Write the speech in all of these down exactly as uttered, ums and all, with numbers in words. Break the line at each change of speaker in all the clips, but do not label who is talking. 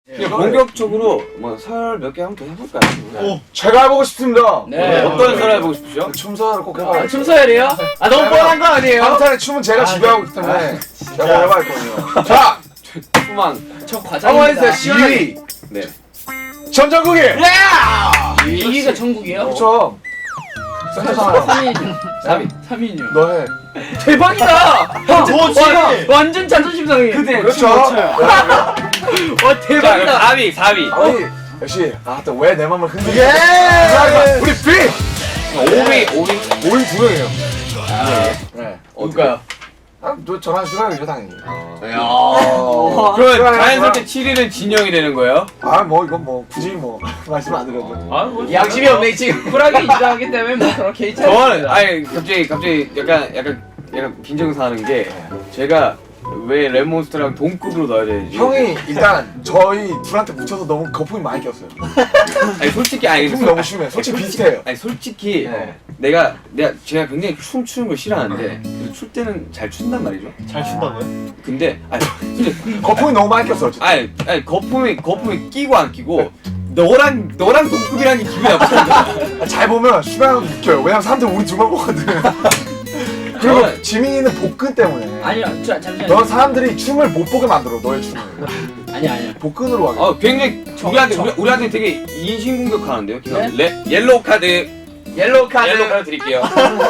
그냥 본격적으로 뭐 설 몇 개 한번 더 해볼까요?
오, 제가 해보고 싶습니다.
네. 어떤 설 해보고 싶으시죠?
춤사를 꼭 해봐요.
아, 춤서열이에요? 아 너무 뻔한 거 아니에요?
방탄의 춤은 제가 지배하고 있기 때문에 제가 해봐야 했거든요. 자,
수만
저
한번
과장입니다.
해주세요. 이 위
네.
전정국이.
이 위가 전국이에요?
그렇죠. 센터잖아요.
삼 위죠.
삼 위.
삼 위요.
너 해.
대박이다! 형,
좋지.
와, 완전 자존심 상해. 그대.
그렇죠.
와
자,
대박이다.
사 위, 사 위.
아니 역시 아또 왜 내 맘을 흔들게? 예. 우리 비.
오 위, 오 위.
오 위 두 명이에요.
네.
누가요?
아, 너 저랑 시간이죠 당연히.
야.
그럼 자연스럽게 칠 위는 진영이 되는 거예요?
아 뭐 이건 뭐 굳이 뭐 말씀 안 드려도.
아, 뭐
양심이 없네 지금. 쿨하게 인정하기 때문에 뭐 그런 개의차.
저는 아니 갑자기 갑자기 약간 약간 약간 빈정사는 게 제가 왜 레몬스터랑 동급으로 넣어야 되지?
형이 일단 저희 둘한테 묻혀서 너무 거품이 많이 꼈어요.
아니 솔직히 아니
거품이 너무 심해. 솔직히 비슷해요.
아니 솔직히
네.
내가 내가 제가 굉장히 춤 추는 걸 싫어하는데 그래도 출 때는 잘 춘단 말이죠.
잘 춘다고요?
근데 아니 근데
거품이 너무 많이 꼈어. 어쨌든.
아니 아니 거품이 거품이 끼고 안 끼고 너랑 너랑 동급이라는 게 기분이 나쁘다.
아, 잘 보면 슈가는 웃겨요. 왜냐면 사람들 우리 둘만 보거든. 그리고
저는-
지민이는 복근 때문에.
아니요, 저 잠시만요.
넌 사람들이 춤을 못 보게 만들어. 너의 춤을.
아니 아니요.
복근으로 하게.
어 굉장히 우리한테 우리, 우리한테 되게 인신 공격하는데요.
네?
레, 옐로우 카드
옐로우 카드.
옐로우 카드 드릴게요.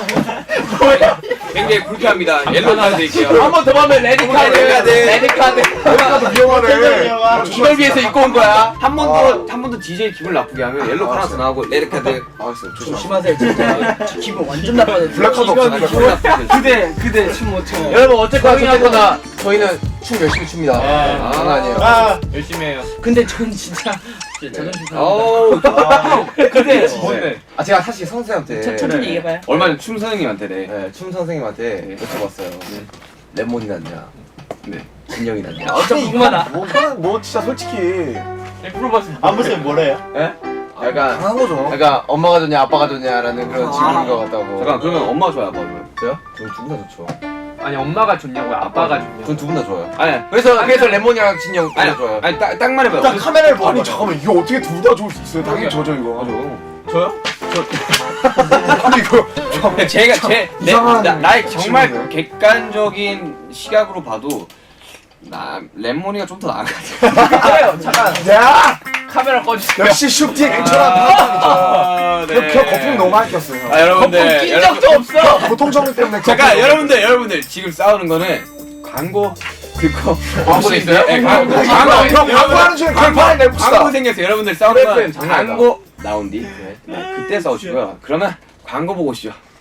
굉장히 불쾌합니다. 옐로우 카드 드릴게요.
한 번 더 보면 레드 카드.
레드 카드.
레드 카드.
여기까지 위험하네.
이걸 위해서 입고 온 거야.
한 번 더 한 번 더 디제이 기분 나쁘게 하면 옐로우 카드 하나 더 나오고 레드 카드.
알았어요. 조심하세요.
조심하세요 진짜. 저 기분 완전 나빠져.
블랙카드
이건
없어.
기분 나빠져.
그대 그대 춤 못 춰요.
여러분 어쨌거나 어쨌거나
저희는 춤 열심히 춥니다.
아,
장난 아니에요.
아,
열심히 해요.
근데 전 진짜 진짜 자존심 상합니다.
어우
그대
뭔데?
아 제가 사실 선생님한테
천- 천천히 얘기해봐요.
얼마 전 춤 선생님한테네.
네, 춤 선생님한테 여쭤봤어요. 레몬이 낫냐,
네.
진영이 낫냐.
어쩜 궁금하다.
뭐, 그건 뭐 진짜 솔직히
안 보시면 뭐래요?
예? 약간
당한 거죠.
약간 엄마가 좋냐 아빠가 좋냐라는 그런 질문인 것 같다고.
잠깐 그러면 엄마가 좋아요, 아빠가 좋아요?
저요? 저는 두 분 다 좋죠.
아니 엄마가 좋냐고요? 아빠가 좋냐고?
전 두 분 다 좋아요.
아니
그래서 그래서 레몬이랑 진영
아니
다 좋아요.
아니 딱, 딱 말해봐요.
일단 카메라를 보고 아니 잠깐만 이게 어떻게 둘 다 좋을 수 있어요? 당연히 저죠 이거.
저요?
아니 이거
그러니까 제가 제 내,
이상한
나, 나의 정말
질문이네.
객관적인 시각으로 봐도 나 레몬이가 좀 더 나은 것 같아.
그래요. 잠깐
야
카메라 꺼주세요.
역시 슈티의 근처란 파악이죠.
아,
그 거품이 너무 많이 꼈어요.
아 여러분들
낀
여러분-
적도 없어.
보통 정리 때문에
잠깐
거품이
여러분들 여러분들 지금 싸우는 거는 광고 듣고
광고 있어요?
네, 광고
너무-
광고
형, 형, 광고하는 중에 그걸 빨리 내봅시다.
광고 생겨서 여러분들 싸우는 건
그래, 장난이다.
광고 나온 뒤 네, 그때 싸우시고요. 그러면 광고 보고 오시죠.